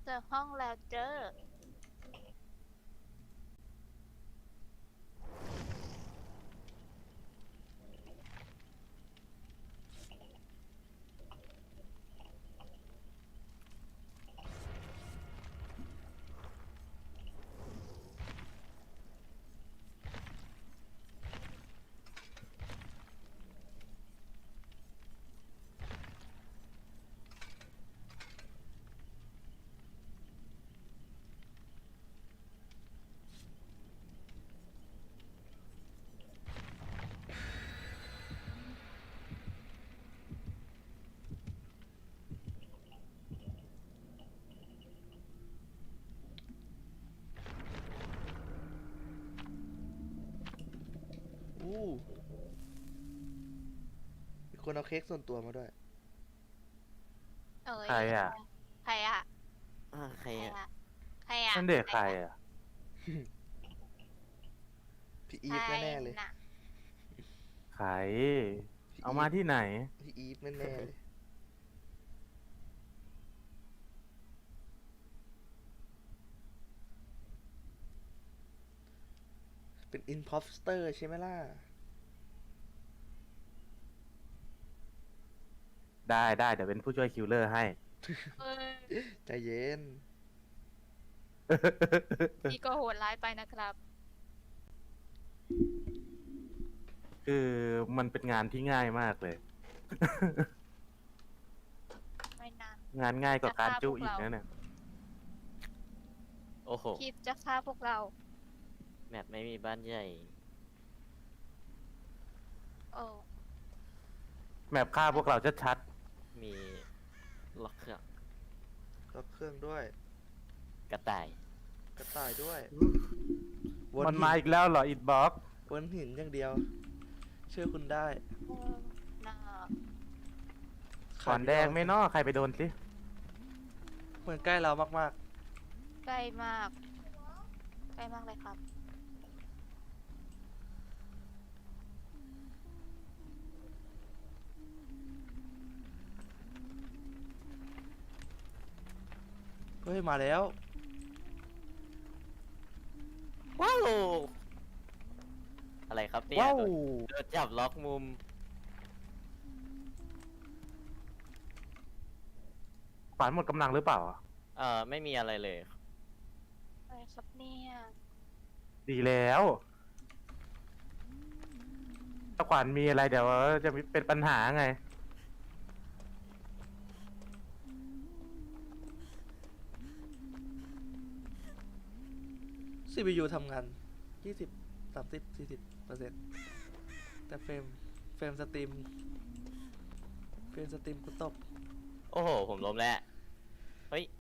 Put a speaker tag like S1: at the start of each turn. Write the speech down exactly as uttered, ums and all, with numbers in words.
S1: จอห้องแล้วเจอ
S2: อู้มีคนเอาเค้กส่วนตัวมาด้วย
S1: เอ้ย
S3: ใครอ่ะ
S1: ใครอ่ะ
S4: อ่าใคร
S1: ใคร
S4: อ่ะ
S1: อ่ะใครอ่ะ
S3: นั่นเด็กใครอ่ะ
S2: พี่อีฟแน่ๆเลย
S1: ใครน่ะ
S3: ใคร
S2: พี่
S3: เอามาที่ไหน
S2: พี่อีฟแน่ๆเลย เป็นอินพอสเตอร์ใช่ไหมล่ะ
S3: ได้ได้เดี๋ยวเป็นผู้ช่วยคิวเลอร์ให้
S1: เอ้ย
S2: ใจเย็น
S1: พี่ก็โหดร้ายไปนะครับ
S3: คือมันเป็นงานที่ง่ายมากเลย
S1: ไม่นาน
S3: งานง่ายกว่าการ
S1: จะฆ่า
S3: จุ
S1: พวก
S3: อีก
S1: เรา
S3: นะเนี่ย
S4: โอ้โห
S1: คิดจะฆ่าพวกเรา
S4: แมปไม่มีบ้านใหญ่
S1: โอ้
S3: แมปฆ่าพวกเราชัด
S4: มีล็อกเครื่อง
S2: ก็เครื่องด้วย
S4: กระต่าย
S2: กระต่ายด้วย
S3: ๆมันมาอีกแล้วเหรออิดบ็อก
S2: วนหินอย่างเดียว เชื่อคุณได้
S1: เออน่า
S3: ขอนแดงไม่นอใครไปโดนสิ
S2: เหมือนใกล้เรามาก
S1: ใกล้มาก ใกล้มากเลยครับ
S2: ๆ เฮ้ย มาแล้ว
S4: ว้าว อะไรครับเนี่ย
S3: ว้าว
S4: โดนโดนจับล็อกมุม
S3: ฝันหมดกำลังหรือเปล่า
S4: เอ่อ ไม่มีอะไรเลย
S1: อะไรครับเนี่ย
S3: ดีแล้วถ้าขวัญมีอะไรเดี๋ยวจะมีเป็นปัญหาไง
S2: ซี พี ยู ทำงานยี่สิบ สามสิบ สี่สิบเปอร์เซ็นต์ แต่เฟรม เฟรมสตรีม เฟรมสตรีมกูตก
S4: โอ้โห ผมล้มแล้ว เฮ้ย